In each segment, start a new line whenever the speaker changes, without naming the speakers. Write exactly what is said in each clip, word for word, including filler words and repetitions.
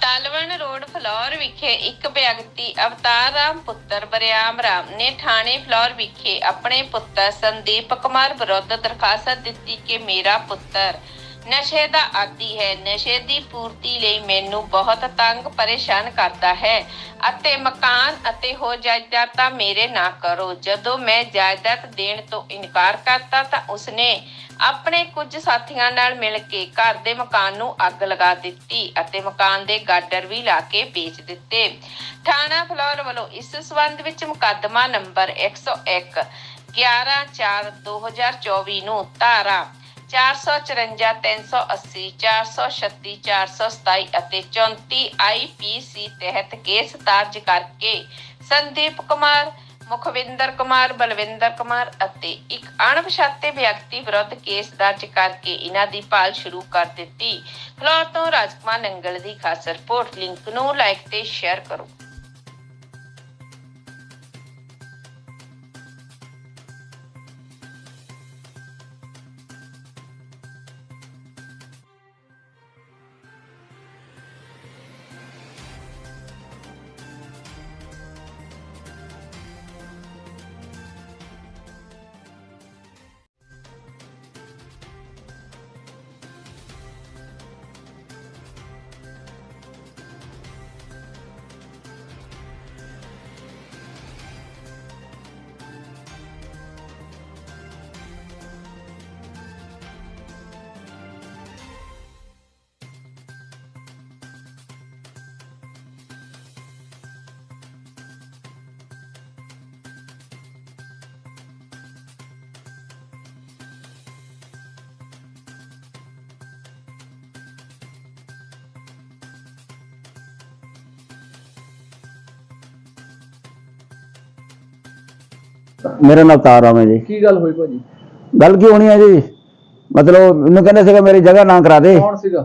ਸਾਲਵਣ road flour ਵਿਖੇ ਇੱਕ ਵਿਅਕਤੀ ਅਵਤਾਰ ਰਾਮ ਪੁੱਤਰ ਬਰਿਆਮ ਰਾਮ ਨੇ ਥਾਣੇ ਫਲੌਰ ਵਿਖੇ ਆਪਣੇ ਪੁੱਤਰ ਸੰਦੀਪ ਕੁਮਾਰ ਵਿਰੁੱਧ ਦਰਖਾਸਤ ਦਿੱਤੀ ਕਿ ਮੇਰਾ ਪੁੱਤਰ ਨਸ਼ੇ ਦਾ ਆਦੀ ਹੈ। ਨਸ਼ੇ ਦੀ ਪੂਰਤੀ ਲਈ ਮੈਨੂੰ ਬਹੁਤ ਤੰਗ ਪਰੇਸ਼ਾਨ ਕਰਦਾ ਹੈ ਅਤੇ ਮਕਾਨ ਅਤੇ ਹੋ ਜਾਇਦਾਦਾਂ ਮੇਰੇ ਨਾ ਕਰੋ। ਜਦੋਂ ਮੈਂ ਜਾਇਦਾਦ ਦੇਣ ਤੋਂ ਇਨਕਾਰ ਕਰਤਾ ਤਾਂ ਉਸਨੇ ਆਪਣੇ ਕੁਝ ਸਾਥੀਆਂ ਨਾਲ ਮਿਲ ਕੇ ਘਰ ਦੇ ਮਕਾਨ ਨੂੰ ਅੱਗ ਲਗਾ ਦਿੱਤੀ ਅਤੇ ਮਕਾਨ ਦੇ ਗਾਡਰ ਵੀ ਲਾ ਕੇ ਵੇਚ ਦਿੱਤੇ। ਥਾਣਾ ਫਲੌਰ ਵੱਲੋਂ ਇਸ ਸਬੰਧ ਵਿੱਚ ਮੁਕੱਦਮਾ ਨੰਬਰ ਇੱਕ ਸੌ ਇੱਕ ਗਿਆਰਾਂ ਚਾਰ ਦੋ ਹਜ਼ਾਰ ਚੌਵੀ ਨੂੰ ਧਾਰਾ ਚਾਰ ਸੌ ਚੁਰੰਜਾ ਤਿੰਨ ਸੌ ਅੱਸੀ ਚਾਰ ਸੌ ਛੱਤੀ ਚਾਰ ਸੌ ਸਤਾਈ ਅਤੇ ਚੌਂਤੀ ਆਈ ਪੀ ਸੀ ਤਹਿਤ ਕੇਸ ਦਰਜ ਕਰਕੇ ਸੰਦੀਪ ਕੁਮਾਰ, ਮੁਖਵਿੰਦਰ ਕੁਮਾਰ, ਬਲਵਿੰਦਰ ਕੁਮਾਰ ਅਤੇ ਇੱਕ ਅਣਪਛਾਤੇ ਵਿਅਕਤੀ ਵਿਰੁੱਧ ਕੇਸ ਦਰਜ ਕਰਕੇ ਇਹਨਾਂ ਦੀ ਭਾਲ ਸ਼ੁਰੂ ਕਰ ਦਿੱਤੀ। ਫਲੌਰ ਤੋਂ ਰਾਜਕੁਮਾਰ ਨੰਗਲ ਦੀ ਖਾਸ ਰਿਪੋਰਟ। ਲਿੰਕ ਨੂੰ ਲਾਈਕ ਤੇ ਸ਼ੇਅਰ ਕਰੋ।
मेरा नाम अवतार राम है जी।
की गल हुई भाजी?
गल की होनी है जी, मतलब मैंने कहने से मेरी जगह ना करा दे।
कौन सीगा?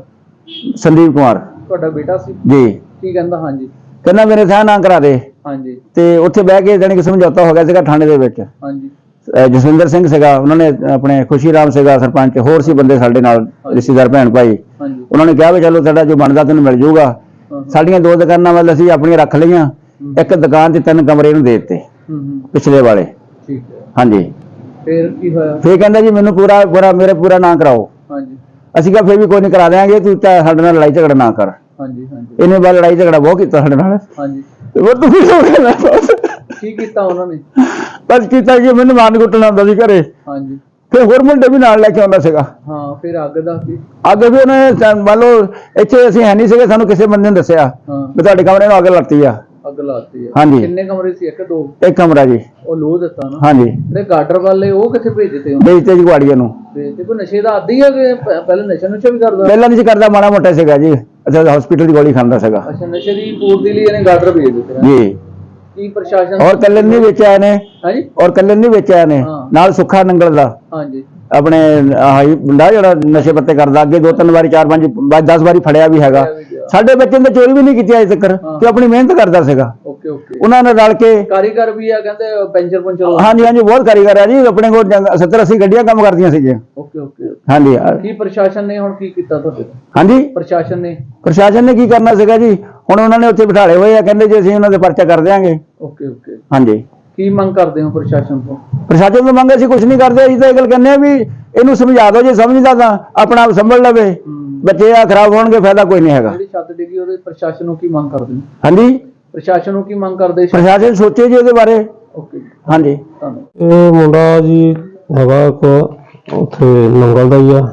संदीप कुमार
ਤੁਹਾਡਾ ਬੇਟਾ ਸੀ
जी।
ਕੀ ਕਹਿੰਦਾ? ਹਾਂਜੀ
कहना मेरे साह ना करा दे
ਹਾਂਜੀ
ਤੇ ਉੱਥੇ ਬਹਿ ਕੇ ਜਾਨੀ ਕਿ ਸਮਝੌਤਾ ਹੋ ਗਿਆ ਸੀਗਾ ਥਾਣੇ ਦੇ ਵਿੱਚ।
ਹਾਂਜੀ
ਅਹ ਜਸਵਿੰਦਰ ਸਿੰਘ ਸੀਗਾ, ਉਹਨਾਂ ਨੇ ਆਪਣੇ ਖੁਸ਼ੀ ਰਾਮ ਸੀਗਾ ਸਰਪੰਚ, ਹੋਰ ਸੀ ਬੰਦੇ ਸਾਡੇ ਨਾਲ ਰਿਸ਼ਤੇਦਾਰ ਭੈਣ ਭਾਈ।
ਹਾਂਜੀ
ਉਹਨਾਂ ਨੇ ਕਿਹਾ ਵੀ ਚਲੋ ਸਾਡਾ ਜੋ ਬਣਦਾ ਤੈਨੂੰ ਮਿਲ ਜਾਊਗਾ। ਸਾਡੀਆਂ ਦੋ ਦੁਕਾਨਾਂ ਵੱਲ ਅਸੀਂ ਆਪਣੀਆਂ ਰੱਖ ਲਈਆਂ, ਇੱਕ ਦੁਕਾਨ 'ਚ ਤਿੰਨ ਕਮਰੇ ਨੂੰ ਦੇ ਦਿੱਤੇ
ਹੂੰ ਹੂੰ
ਪਿਛਲੇ ਵਾਲੇ।
ਠੀਕ ਹੈ।
ਹਾਂਜੀ
ਫਿਰ ਕੀ ਹੋਇਆ?
ਫੇਰ ਕਹਿੰਦਾ ਜੀ ਮੈਨੂੰ ਪੂਰਾ ਪੂਰਾ ਮੇਰੇ ਪੂਰਾ ਨਾ ਕਰਾਓ।
ਹਾਂਜੀ
ਅਸੀਂ ਕਿਹਾ ਫੇਰ ਵੀ ਕੋਈ ਨਹੀਂ ਕਰਾ ਦਿਆਂਗੇ, ਤੂੰ ਚਾਹੇ ਸਾਡੇ ਨਾਲ ਲੜਾਈ ਝਗੜਾ ਨਾ ਕਰ।
ਹਾਂਜੀ ਹਾਂਜੀ
ਇਹਨੇ ਬਾਅਦ ਲੜਾਈ ਝਗੜਾ ਬਹੁਤ ਕੀਤਾ ਸਾਡੇ ਨਾਲ।
ਹਾਂਜੀ
ਤੇ ਉਹ ਤੂੰ ਵੀ ਹੋ ਗਿਆ ਬਸ।
ਕੀ ਕੀਤਾ ਉਹਨਾਂ ਨੇ?
ਬਸ ਕੀਤਾ ਕਿ ਮੈਨੂੰ ਮਾਨ ਕੁੱਟਣਾ ਹੁੰਦਾ ਸੀ ਘਰੇ।
ਹਾਂਜੀ
ਫਿਰ ਹੋਰ ਮੁੰਡੇ ਵੀ ਨਾਲ ਲੈ ਕੇ ਆਉਂਦਾ ਸੀਗਾ।
ਹਾਂ ਫਿਰ ਅੱਗ ਦਾ ਕੀ?
ਅੱਗੇ ਵੀ ਉਹਨੇ ਮੰਨ ਲਓ ਇੱਥੇ ਅਸੀਂ ਹੈ ਨਹੀਂ ਸੀਗੇ, ਸਾਨੂੰ ਕਿਸੇ ਬੰਦੇ ਨੇ ਦੱਸਿਆ
ਹਾਂ
ਵੀ ਤੁਹਾਡੇ ਕਮਰੇ ਨੂੰ ਅੱਗ ਲੱਗੀ ਆ।
ਅੱਗ ਲਾਤੀ ਹੈ?
ਹਾਂਜੀ।
ਕਿੰਨੇ ਕਮਰੇ ਸੀ? ਇੱਕ ਦੋ?
ਇੱਕ ਕਮਰਾ ਜੀ।
ਉਹ ਲੋ ਦਿੱਤਾ ਨਾ?
ਹਾਂਜੀ।
ਜਿਹੜੇ ਗਾਡਰ ਵਾਲੇ ਉਹ ਕਿੱਥੇ ਭੇਜ ਦਿੱਤੇ?
ਵੇਚਤੇ ਜੀ ਗੁਆੜੀਆਂ ਨੂੰ।
ਵੇਚਤੇ? ਕੋਈ ਨਸ਼ੇ ਦਾ ਆਦੀ ਹੈ ਕਿ ਪ- ਪਹਿਲਾਂ ਨਸ਼ਾ ਨੁਸ਼ਾ ਵੀ ਕਰਦਾ?
ਪਹਿਲਾਂ ਨਹੀਂ ਸੀ ਕਰਦਾ, ਮਾੜਾ ਮੋਟਾ ਸੀਗਾ ਜੀ। ਅੱਛਾ ਹਸਪੀਟਲ ਦੀ ਗੋਲੀ ਖਾਂਦਾ ਸੀਗਾ
ਅੱਛਾ ਨਸ਼ੇ ਦੀ ਪੂਰਤੀ ਲਈ ਇਹਨੇ ਗਾਡਰ ਭੇਜ ਦਿੱਤੇ ਨੇ?
ਜੀ।
ਕੀ ਪ੍ਰਸ਼ਾਸਨ?
ਔਰ ਕੱਲਨ ਨਹੀਂ ਵੇਚਿਆ ਇਹਨੇ।
ਹਾਂਜੀ
ਔਰ ਕੱਲਨ ਨਹੀਂ ਵੇਚਿਆ ਇਹਨੇ,
ਹਾਂ।
ਨਾਲ ਸੁੱਖਾ ਨੰਗਲ ਦਾ
ਹਾਂਜੀ
ਆਪਣੇ ਆਹੀ ਮੁੰਡਾ ਜਿਹੜਾ ਨਸ਼ੇ ਪੱਤੇ ਕਰਦਾ, ਅੱਗੇ ਦੋ ਤਿੰਨ ਵਾਰੀ ਚਾਰ ਪੰਜ ਦਸ ਵਾਰੀ ਫੜਿਆ ਵੀ ਹੈਗਾ। ਸਾਡੇ ਬੱਚੇ ਨੇ ਚੋਰੀ ਵੀ ਨਹੀਂ ਕੀਤੀ ਅਜੇ ਤੱਕ, ਤੇ ਆਪਣੀ ਮਿਹਨਤ ਕਰਦਾ ਸੀਗਾ।
Okay okay.
ਉਹਨਾਂ ਨੇ ਰਲ ਕੇ
ਕਾਰੀਗਰ ਵੀ ਆ ਕਹਿੰਦੇ ਪੈਂਚਰ ਪੰਚਰ?
ਹਾਂਜੀ ਹਾਂਜੀ ਬਹੁਤ ਕਾਰੀਗਰ ਆ ਜੀ, ਆਪਣੇ ਕੋਲ ਸੱਤਰ ਅੱਸੀ ਗੱਡੀਆਂ ਕੰਮ ਕਰਦੀਆਂ ਸੀ ਜੀ।
Okay okay.
ਹਾਂਜੀ
ਕੀ ਪ੍ਰਸ਼ਾਸਨ ਨੇ ਹੁਣ ਕੀ ਕੀਤਾ ਤੁਹਾਡੇ?
ਹਾਂਜੀ
ਪ੍ਰਸ਼ਾਸਨ ਨੇ?
ਪ੍ਰਸ਼ਾਸਨ ਨੇ ਕੀ ਕਰਨਾ ਸੀਗਾ ਜੀ, ਹੁਣ ਉਹਨਾਂ ਨੇ ਉੱਥੇ ਬਿਠਾਲੇ ਹੋਏ ਆ, ਕਹਿੰਦੇ ਜੀ ਅਸੀਂ ਉਹਨਾਂ ਦੇ ਪਰਚਾ ਕਰ ਦਿਆਂਗੇ।
Okay okay.
ਹਾਂਜੀ।
ਕੀ ਮੰਗ ਕਰਦੇ ਹੋ ਪ੍ਰਸ਼ਾਸਨ ਤੋਂ?
ਪ੍ਰਸ਼ਾਸਨ ਤੋਂ ਮੰਗ ਅਸੀਂ ਕੁਝ ਨਹੀਂ ਕਰਦੇ, ਅਸੀਂ ਤਾਂ ਇਹ ਗੱਲ ਕਹਿੰਦੇ ਆ ਵੀ ਇਹਨੂੰ ਸਮਝਾ ਦਿਓ, ਜੇ ਸਮਝਦਾ ਤਾਂ ਆਪਣਾ ਆਪ ਸੰਭਲ ਲਵੇ। ਬੱਚੇ ਆ ਖਰਾਬ ਹੋਣਗੇ, ਫਾਇਦਾ ਕੋਈ ਨਹੀਂ ਹੈਗਾ।
ਜਿਹੜੀ ਛੱਤ ਡਿੱਗੀ ਉਹਦੇ ਪ੍ਰਸ਼ਾਸਨ ਨੂੰ ਕੀ ਮੰਗ ਕਰਦੇ ਹੋ?
ਹਾਂਜੀ
ਪ੍ਰਸ਼ਾਸਨ ਨੂੰ ਕੀ ਮੰਗ ਕਰਦੇ?
ਪ੍ਰਸ਼ਾਸਨ ਸੋਚੇ ਜੀ ਉਹਦੇ ਬਾਰੇ।
ਓਕੇ
ਹਾਂਜੀ।
ਧੰਨਵਾਦ।
ਇਹ ਮੁੰਡਾ ਜੀ ਹੈਗਾ ਇੱਕ ਉੱਥੇ ਨੰਗਲ ਦਾ ਹੀ ਆ,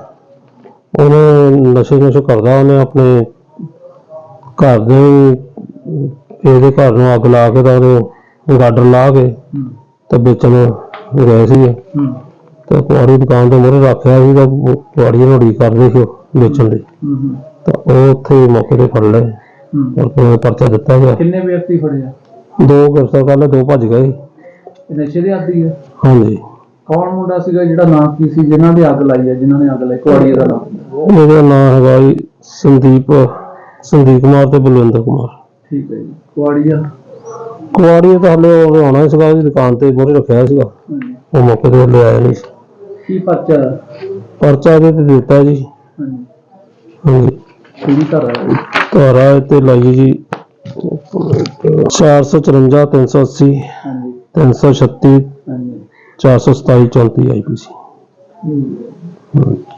ਉਹਨੇ ਨਸ਼ੇ ਨੁਸ਼ੇ ਕਰਦਾ, ਉਹਨੇ ਆਪਣੇ ਘਰ ਦੇ ਇਹਦੇ ਘਰ ਨੂੰ ਅੱਗ ਲਾ ਕੇ ਤਾਂ ਉਹਦੇ ਗਾਡਰ ਲਾ ਕੇ ਤੇ ਵੇਚਣ ਗਏ ਸੀ। ਤੇ ਕੁਆੜੀ ਦੁਕਾਨ ਦੇ ਮੂਹਰੇ ਰੱਖਿਆ ਸੀ, ਤਾਂ ਕੁਆੜੀ ਰੋੜੀ ਕਰਦੇ ਸੀ ਵੇਚਣ ਦੀ, ਤਾਂ ਉਹ ਉੱਥੇ ਮੌਕੇ ਤੇ ਫੜ ਲਏ ਔਰ ਪਰਚਾ ਦਿੱਤਾ ਗਿਆ।
ਕਿੰਨੇ ਵਿਅਕਤੀ ਫੜੇ ਆ?
ਦੋ ਗ੍ਰਿਫਤਾਰ ਕਰ ਲਏ, ਦੋ ਭੱਜ ਗਏ।
ਨਸ਼ੇ ਦੇ ਆਦੀ ਹੈ?
ਹਾਂਜੀ।
ਕੌਣ ਮੁੰਡਾ ਸੀਗਾ ਜਿਹੜਾ ਨਾਮ ਕੀ ਸੀ ਜਿਨ੍ਹਾਂ ਦੇ ਅੱਗ ਲਾਈ ਹੈ, ਜਿਨ੍ਹਾਂ ਨੇ ਅੱਗ ਲਾਈ? ਕੁਆੜੀ ਦਾ ਨਾਮ?
ਉਹਦਾ ਨਾਮ ਹੈਗਾ ਜੀ ਸੰਦੀਪ ਸੰਦੀਪ ਕੁਮਾਰ ਤੇ ਬਲਵਿੰਦਰ ਕੁਮਾਰ।
ਠੀਕ ਹੈ ਜੀ। ਕੁਆੜੀਆ?
ਕੁਆੜੀ ਤਾਂ ਹਲੇ ਉਹ ਆਉਣਾ ਸੀਗਾ, ਉਹਦੀ ਦੁਕਾਨ ਤੇ ਮੂਹਰੇ ਰੱਖਿਆ ਸੀਗਾ, ਉਹ ਮੌਕੇ ਤੇ ਲੈ ਆਇਆ ਨਹੀਂ ਸੀ।
ਕੀ ਪਰਚਾ?
ਪਰਚਾ ਇਹਦੇ ਤੇ ਦਿੱਤਾ ਜੀ।
ਹਾਂਜੀ।
ਹਾਂਜੀ।
ਕਿਹੜੀ ਧਾਰਾ ਹੈ?
ਧਾਰਾ ਤੇ ਲਾਈ ਜੀ ਚਾਰ ਸੌ ਚੁਰੰਜਾ ਤਿੰਨ ਸੌ ਅੱਸੀ
ਹਾਂਜੀ
ਤਿੰਨ ਸੌ ਛੱਤੀ
ਹਾਂਜੀ
ਚਾਰ ਸੌ ਸਤਾਈ ਚੌਂਤੀ ਆਈ ਪੀ ਸੀ।
ਹੂੰ।